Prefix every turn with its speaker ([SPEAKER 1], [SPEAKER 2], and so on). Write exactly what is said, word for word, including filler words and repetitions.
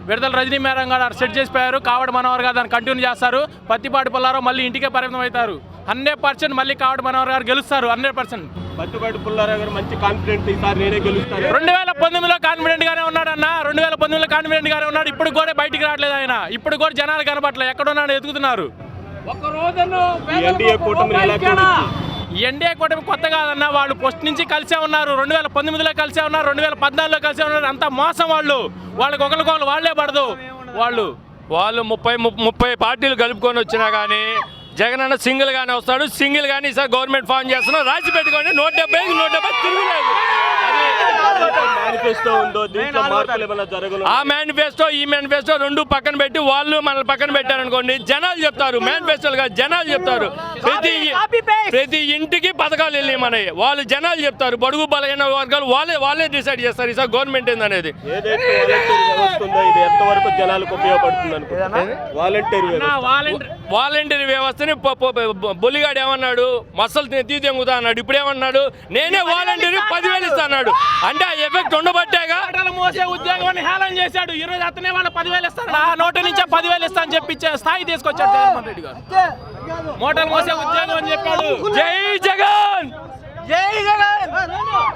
[SPEAKER 1] విడుదల రజనీ మేడం గారు సెట్ చేసిపోయారు. కావడి మనోహర్ గారు దాన్ని కంటిన్యూ చేస్తారు. పత్తిపాటి పుల్లారావు మళ్ళీ ఇంటికే పరిమితం అవుతారు. హండ్రెడ్ పర్సెంట్ మళ్ళీ కావడి మనోహర్ గారు గెలుస్తారు. హండ్రెడ్ పర్సెంట్
[SPEAKER 2] పత్తిపాటి పుల్లారావు గారు మంచి కాన్ఫిడెంట్ ఈసారి నేనే గెలుస్తాను.
[SPEAKER 1] రెండు వేల పంతొమ్మిదిలో కాన్ఫిడెంట్ గానే ఉన్నాడు అన్న. రెండు వేల పంతొమ్మిదిలో కాన్ఫిడెంట్ గానే ఉన్నాడు. ఇప్పుడు కూడా బయటికి రావట్లేదు ఆయన. ఇప్పుడు కూడా జనాలు కనబడలేదు. ఎక్కడున్నాడు ఎదుగుతున్నారు.
[SPEAKER 2] ఎన్డీఏ కూటమి ఎలా చూడొచ్చు?
[SPEAKER 1] ఎన్డీఏ కూటమి కొత్త కాదన్న. వాళ్ళు ఫస్ట్ నుంచి కలిసే ఉన్నారు. రెండు వేల పంతొమ్మిదిలో కలిసే ఉన్నారు. రెండు వేల పద్నాలుగులో కలిసే ఉన్నారు. అంతా మోసం వాళ్ళు. వాళ్ళకి ఒకరికొకరు వాళ్ళే పడదు. వాళ్ళు
[SPEAKER 3] వాళ్ళు ముప్పై ముప్పై పార్టీలు కలుపుకొని వచ్చినా కానీ జగన్ అన్న సింగిల్ గానే వస్తాడు. సింగిల్ గానీ ఈసారి గవర్నమెంట్ ఫామ్ చేస్తున్నాం. రాసి పెట్టుకోండి. నూట డెబ్బై నూట డెబ్బై తిరుగులేదు. ఆ మేనిఫెస్టో ఈ మేనిఫెస్టో రెండు పక్కన పెట్టి వాళ్ళు మనల్ని పక్కన పెట్టారనుకోండి, జనాలు చెప్తారు. మేనిఫెస్టోలు కాదు, జనాలు చెప్తారు. ప్రతి ప్రతి ఇంటికి పథకాలు వెళ్ళి మనవి వాళ్ళు జనాలు చెప్తారు. బడుగు బలహీన వర్గాలు వాళ్ళే వాళ్ళే డిసైడ్ చేస్తారు ఈసారి గవర్నమెంట్ ఏందనేది. వాలంటీర్ వ్యవస్థని బొలిగాడు ఏమన్నాడు, మసలు తీదెంగుతా అన్నాడు. ఇప్పుడు ఏమన్నాడు, నేనే వాలంటీర్ పదివేలు ఇస్తా అన్నాడు. అంటే ఆ ఎఫెక్ట్ ఉండబట్టేగా.
[SPEAKER 1] మోసే ఉద్యోగాన్ని హేళన చేశాడు. ఈ రోజు అతనే వాళ్ళ పదివేలు ఇస్తాడు. ఆ నోటి నుంచే పదివేలు ఇస్తా అని చెప్పి స్థాయి తీసుకొచ్చాడు జగన్మోహన్ రెడ్డి గారు. మోటార్ మోసే ఉద్యోగం అని చెప్పాడు.
[SPEAKER 3] జై జగన్,
[SPEAKER 1] జై జగన్.